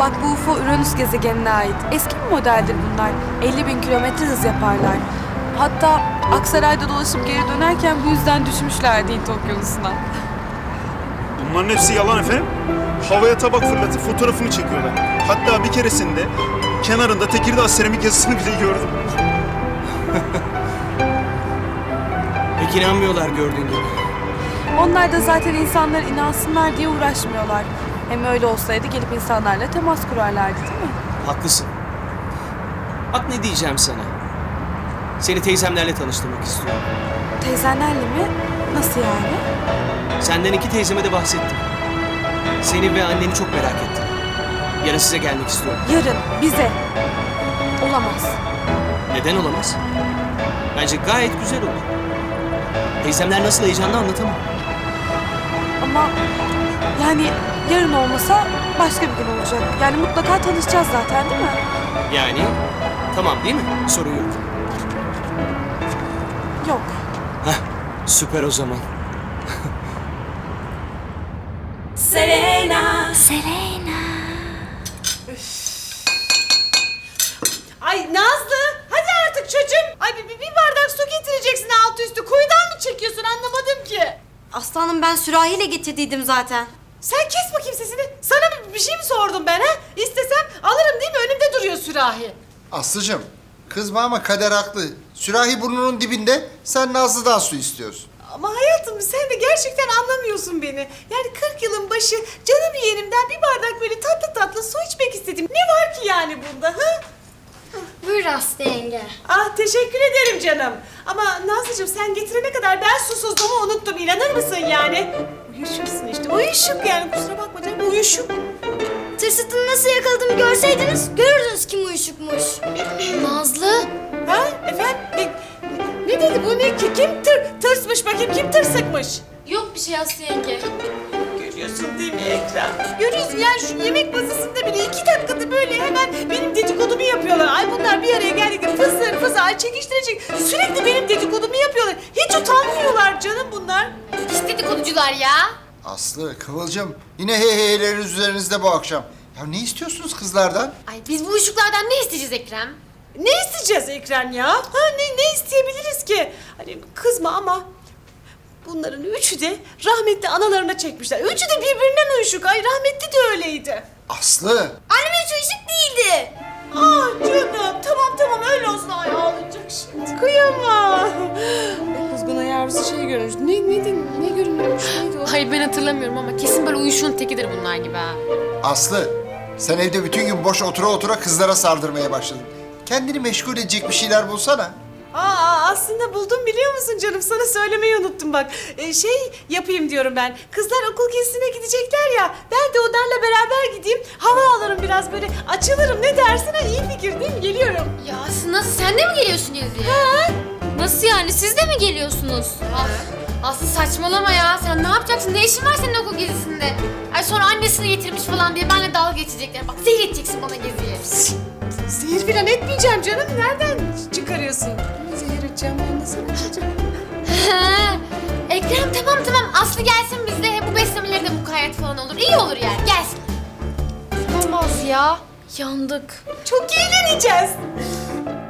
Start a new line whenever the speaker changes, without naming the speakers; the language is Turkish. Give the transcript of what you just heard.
Bak bu UFO Uranüs gezegenine ait. Eski bir modeldir bunlar. 50.000 kilometre hız yaparlar. Hatta Aksaray'da dolaşıp geri dönerken bu yüzden düşmüşlerdi Hint Okyanusu'na.
Bunların hepsi yalan efendim. Havaya tabak fırlatıp fotoğrafını çekiyorlar. Hatta bir keresinde kenarında Tekirdağ seramik yazısını bile gördüm.
Pek inanmıyorlar gördüğün gibi.
Onlar da zaten insanlar inansınlar diye uğraşmıyorlar. Hem öyle olsaydı gelip insanlarla temas kurarlardı değil mi?
Haklısın. Bak ne diyeceğim sana. Seni teyzemlerle tanıştırmak istiyorum.
Teyzenlerle mi? Nasıl yani?
Senden 2 teyzeme de bahsettim. Seni ve anneni çok merak ettim. Yarın size gelmek istiyorum.
Yarın bize. Olamaz.
Neden olamaz? Bence gayet güzel olur. Teyzemler nasıl heyecanlı anlatamam.
Ama yani yarın olmasa başka bir gün olacak. Yani mutlaka tanışacağız zaten değil mi?
Yani tamam değil mi? Sorun yok.
Yok.
Heh, süper o zaman.
Selena.
Ay Nazlı, hadi artık çocuğum. Ay bir bardak su getireceksin altı üstü. Kuyudan mı çekiyorsun anlamadım ki.
Aslanım ben sürahiyle getirdiydim zaten.
Sen kes bakayım sesini. Sana bir şey mi sordum ben ha? İstesem alırım değil mi? Önümde duruyor sürahi.
Aslıcığım, kızma ama kader haklı. Sürahi burnunun dibinde, sen Nazlı'dan su istiyorsun.
Ama hayatım sen de gerçekten anlamıyorsun beni. Yani 40 yılın başı canım yeğenimden bir bardak böyle tatlı tatlı su içmek istedim. Ne var ki yani bunda ha?
Buyur Aslı yenge.
Ah teşekkür ederim canım. Ama Nazlıcığım sen getirene kadar ben susuzluğumu unuttum. İnanır mısın yani? Uyuşuksun işte. Uyuşuk yani kusura bakma canım uyuşuk.
Tırsıtını nasıl yakaladığımı görseydiniz görürdünüz kim uyuşukmuş. Nazlı.
Ha efendim? Ne dedi bu ne? Kim tırsmış bakayım? Kim tırsıkmış?
Yok bir şey Aslı yenge.
Görüyorsun değil mi Ekrem? Görüyorsun yani şu yemek masasında bile 2 dakikada böyle hemen benim dedikodumu yapıyorlar. Ay bunlar bir araya geldikçe fısır fısır ay çekiştirecek. Sürekli benim dedikodumu yapıyorlar. Hiç utanmıyorlar canım bunlar.
Pis dedikoducular ya.
Aslı, Kıvılcım, yine heyheyleriniz üzerinizde bu akşam. Ya ne istiyorsunuz kızlardan?
Ay biz bu uyuşuklardan ne isteyeceğiz Ekrem?
Ne isteyeceğiz Ekrem ya? Ha ne isteyebiliriz ki? Hani kızma ama bunların üçü de rahmetli analarına çekmişler. Üçü de birbirinden uyuşuk. Ay rahmetli de öyleydi.
Aslı!
Annem hiç uyuşuk değildi.
Ah canım tamam öyle olsun. Ay ağlayacak şimdi. Kıyamam. Kuzguna yavrusu şey görmüş. Ne görünüyormuş? Neydi o?
Hayır ben hatırlamıyorum ama kesin böyle uyuşun tekidir bunlar gibi ha.
Aslı, sen evde bütün gün boş otura otura kızlara sardırmaya başladın. Kendini meşgul edecek bir şeyler bulsana.
Aslında buldum biliyor musun canım? Sana söylemeyi unuttum bak. Şey yapayım diyorum ben. Kızlar okul gezisine gidecekler ya. Ben de onlarla beraber gideyim. Hava alırım biraz böyle. Açılırım ne dersin? Ha, iyi fikir değil mi? Geliyorum.
Ya Aslı nasıl sen de mi geliyorsun geziye? Ha? Nasıl yani siz de mi geliyorsunuz? Aslı saçmalama ya sen ne yapacaksın? Ne işin var senin okul gezisinde? Ay sonra annesini getirmiş falan diye benimle dalga geçecekler. Bak zehir edeceksin bana geziye.
Zehir falan etmeyeceğim canım. Nereden çıkarıyorsun? Zehir edeceğim ben de sana çocuğum.
Ekrem tamam Aslı gelsin bizde. Hem bu beslemeleri de mukayyet falan olur. İyi olur yani gelsin. Olmaz ya. Yandık.
Çok eğleneceğiz.